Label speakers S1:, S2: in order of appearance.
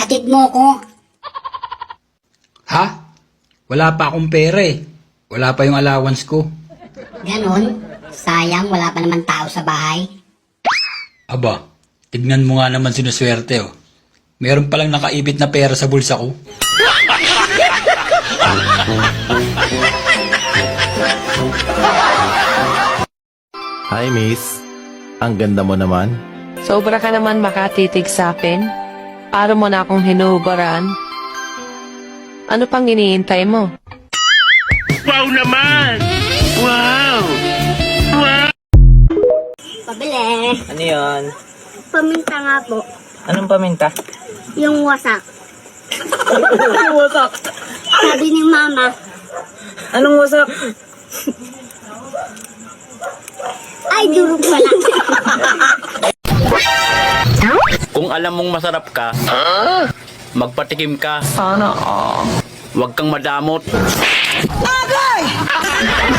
S1: Hatid mo ko.
S2: Ha? Wala pa akong pera eh. Wala pa yung allowance ko.
S1: Ganon. Sayang, wala pa naman tao sa bahay.
S2: Aba, tignan mo nga naman sinuswerte oh. Meron palang nakaibit na pera sa bulsa ko.
S3: Hi, miss. Ang ganda mo naman.
S4: Sobra ka naman makatitig sa akin. Para mo na akong hinuhubaran. Ano pang iniintay mo?
S1: Pabili.
S5: Ano yun?
S1: Paminta nga po.
S5: Anong paminta?
S1: Yung wasak.
S5: Anong wasak?
S1: Sabi ni mama,
S5: Anong wasak?
S1: ay durog pala.
S6: Kung alam mong masarap ka, magpatikim ka.
S4: Sana all.
S6: Huwag kang madamot.